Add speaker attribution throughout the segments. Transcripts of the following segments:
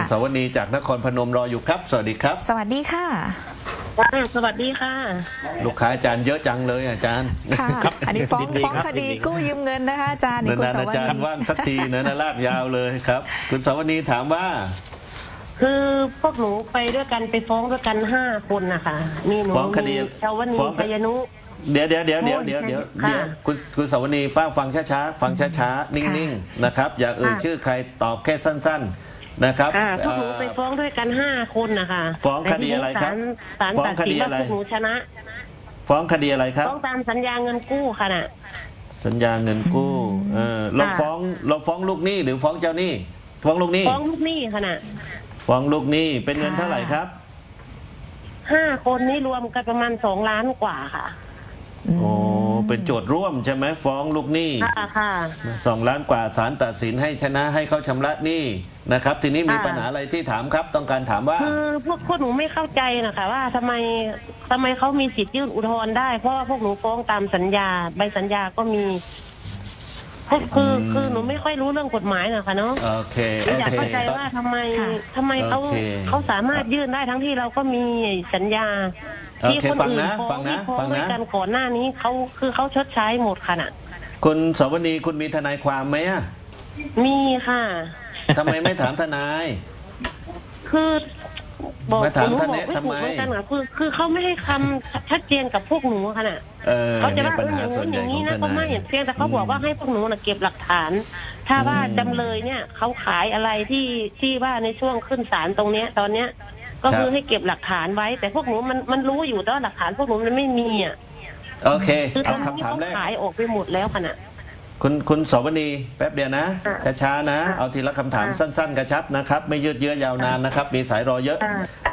Speaker 1: สวัสดีจากนครพนมรออยู่ครับสวัสดีครับ
Speaker 2: สวัสดีค่ะ
Speaker 3: สวัสดีค่ะ
Speaker 1: ลูกค้าอาจารย์เยอะจังเลยอาจารย์
Speaker 2: ค่ะอันนี้ฟ้องคดีกู้ยืมเงินนะคะอาจารย์นี่คุณสวัสดีอา
Speaker 1: จารย์ว่างสักทีนะลากยาวเลยครับคุณสวัสดีถามว่า
Speaker 3: คือพวกหนูไปด้วยกันไปฟ้องด้วยกัน5 คนนะคะมีหนูมีชาวนีพยานุ
Speaker 1: เดี๋ยวคุณสวัสดีป้าฟังช้าๆฟังช้าๆนิ่งๆนะครับอย่าเอ่ยชื่อใครตอบแค่สั้นๆนะครับ
Speaker 3: พวกหนูไปฟ้องด้วยกัน5 คนนะคะ
Speaker 1: ฟ้องคดีอะไรครับ
Speaker 3: ฟ้องคดีอะไรพวกหนูชนะ
Speaker 1: ฟ้องคดีอะไรครับ
Speaker 3: ฟ้องตามสัญญาเงินกู้ค่ะน่ะ
Speaker 1: สัญญาเงินกู้เราฟ้องลูกหนี้หรือฟ้องเจ้าหนี้ฟ้องลูกหนี้
Speaker 3: ฟ้องลูกหนี้ค่ะน่ะ
Speaker 1: ฟ้องลูกหนี้เป็นเงินเท่าไหร่ครับ
Speaker 3: 5 คนนี้รวมกันประมาณ2 ล้านกว่าค่ะ
Speaker 1: โอ้เป็นโจทย์ร่วมใช่ไหมฟ้องลูกหนี้
Speaker 3: ค่ะ
Speaker 1: 2 ล้านกว่าศาลตัดสินให้ชนะให้เขาชำระหนี้นะครับทีนี้มีปัญหาอะไรที่ถามครับต้องการถามว่า
Speaker 3: คือพวกหนูไม่เข้าใจนะคะว่าทำไมเขามีสิทธิ์ยื่นอุทธรณ์ได้เพราะว่าพวกหนูฟ้องตามสัญญาใบสัญญาก็มีคือหนูไม่ค่อยรู้เรื่องกฎหมายนะคะเนาะ
Speaker 1: โอเค
Speaker 3: อยากเข้าใจว่าทำไมเขาสามารถยื่นได้ทั้งที่เราก็มีสัญญาที่คนอื่นฟ้องด้วยกันก่อนหน้านี้เขาชดใช้หมดค่ะน่ะ
Speaker 1: คุณสวนีคุณมีทนายความไหมอ่ะ
Speaker 3: มีค่ะ
Speaker 1: ทำไมไม่ถามทนาย
Speaker 3: คือบอก
Speaker 1: ถามท่านเนี่ยทำไม
Speaker 3: คือเขาไม่ให้คำชัดเจนกับพวกหนูค่ะน่ะเขาจะว่าอย่างนี้นะก็ไม่เห็นเพียงแต่เขาบอกว่าให้พวกหนูเก็บหลักฐานถ้าว่าจำเลยเนี่ยเขาขายอะไรที่ว่าในช่วงขึ้นศาลตรงเนี้ยตอนเนี้ยก็คือให้เก็บหลักฐานไว้แต่พวกหนูมันรู้อยู่แต่ว่าหลักฐานพวกหนูมันไม่มีอ่ะ
Speaker 1: โอเคเอาคำถามแรก
Speaker 3: ขายออกไปหมดแล้วค่ะน่ะ
Speaker 1: คุณสวนีแป๊บเดียวนะช้าๆนะเอาทีละคำถามสั้นๆกระชับนะครับไม่ยืดเยื้อยาวนานนะครับมีสายรอเยอะ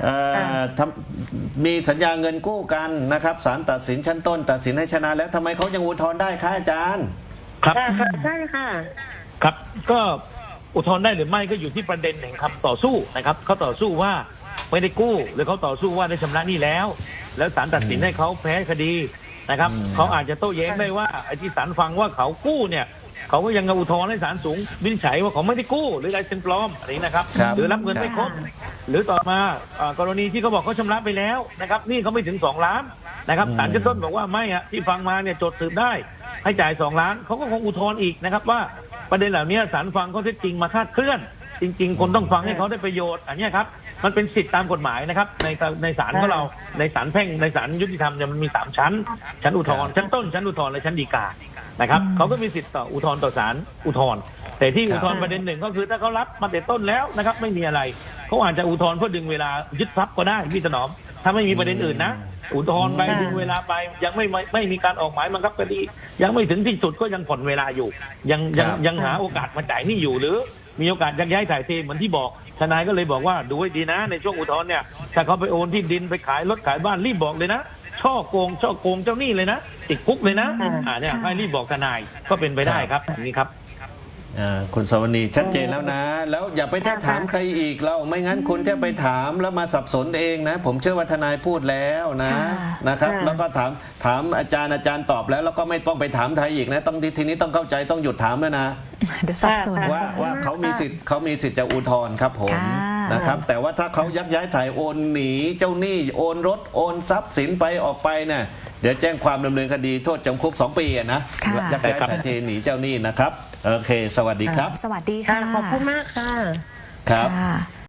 Speaker 1: มีสัญญาเงินกู้กันนะครับศาลตัดสินชั้นต้นตัดสินให้ชนะแล้วทำไมเขายังอุทธรณ์ได้คะอาจารย์
Speaker 4: ครับ
Speaker 3: ใช่ค่ะ
Speaker 4: ครับก็อุทธรณ์ได้หรือไม่ก็อยู่ที่ประเด็นแห่งคำต่อสู้นะครับเขาต่อสู้ว่าไม่ได้กู้หรือเขาต่อสู้ว่าได้ชำระหนี้แล้วศาลตัดสินให้เขาแพ้คดีนะครับเขาอาจจะโต้แย้งได้ว่าไอ้ที่ศาลฟังว่าเขากู้เนี่ยเขาก็ยังอุทธรณ์ให้ศาลสูงวินิจฉัยว่าเขาไม่ได้กู้หรือลายเซ็นปลอมอะไรนะครับหรือรับเงินไม่ครบหรือต่อมากรณีที่เขาบอกเขาชำระไปแล้วนะครับนี่เขาไม่ถึง2 ล้านนะครับศาลชั้นต้นบอกว่าไม่อะที่ฟังมาเนี่ยโจทย์สืบได้ให้จ่าย2 ล้านเขาก็คงอุทธรณ์อีกนะครับว่าประเด็นเหล่านี้ศาลฟังเขาเท็จจริงมาคาดเคลื่อนจริงๆคนต้องฟังให้เขาได้ประโยชน์อันนี้ครับมันเป็นสิทธิตามกฎหมายนะครับในศาลของเราในศาลแพ่งในศาลยุติธรรมเนี่ยมันมี3 ชั้นอุทธรณ์ชั้นต้นชั้นอุทธรณ์และชั้นฎีกานะครับเขาก็มีสิทธิ์ต่ออุทธรณ์ต่อศาลอุทธรณ์แต่ที่อุทธรณ์ประเด็นหนึ่งก็คือถ้าเขารับมาแต่ต้นแล้วนะครับไม่มีอะไรเขาอาจจะอุทธรณ์เพื่อดึงเวลายึดทรัพย์ก็ได้พี่ถนอมถ้าไม่มีประเด็นอื่นนะอุทธรณ์ไปดึงเวลาไปยังไม่มีการออกหมายบังคับคดียังไม่ถึงที่สุดก็ยังผ่อนเวลาอยู่ยังหาโอกาสมาจ่ายหนี้อยู่หรือมีโอกาสยักย้ายถ่ายเทเหมือนที่บอกทนายก็เลยบอกว่าดูให้ดีนะในช่วงอุทธรณ์เนี่ยถ้าเขาไปโอนที่ดินไปขายรถขายบ้านรีบบอกเลยนะช่อโกงเจ้าหนี้เลยนะติดคุกเลยนะเนี่ยให้รีบบอกทนายก็เป็นไปได้ครับอย่างนี้ครับ
Speaker 1: คุณสวนีชัดเจนแล้วนะแล้วอย่าไปถามใครอีกเราไม่งั้นคุณจะไปถามแล้วมาสับสนเองนะผมเชื่อว่าทนายพูดแล้วนะครับแล้วก็ถามอาจารย์ตอบแล้วก็ไม่ต้องไปถามใครอีกนะต้องทีนี้ต้องเข้าใจต้องหยุดถามแล้วนะ
Speaker 2: เดี๋ยวสับสน
Speaker 1: ว่าเขามีสิทธิ์จะอุทธรณ์ครับผมนะครับแต่ว่าถ้าเขายักย้ายถ่ายโอนหนีเจ้าหนี้โอนรถโอนทรัพย์สินไปออกไปเนี่ยเดี๋ยวแจ้งความดำเนินคดีโทษจำคุก2 ปีนะยักย้ายถ่ายเทหนีเจ้าหนี้นะครับโอเคสวัสดีครับ
Speaker 2: สวัสดีค่ะ
Speaker 3: ขอบคุณมากค่ะ
Speaker 1: ครับ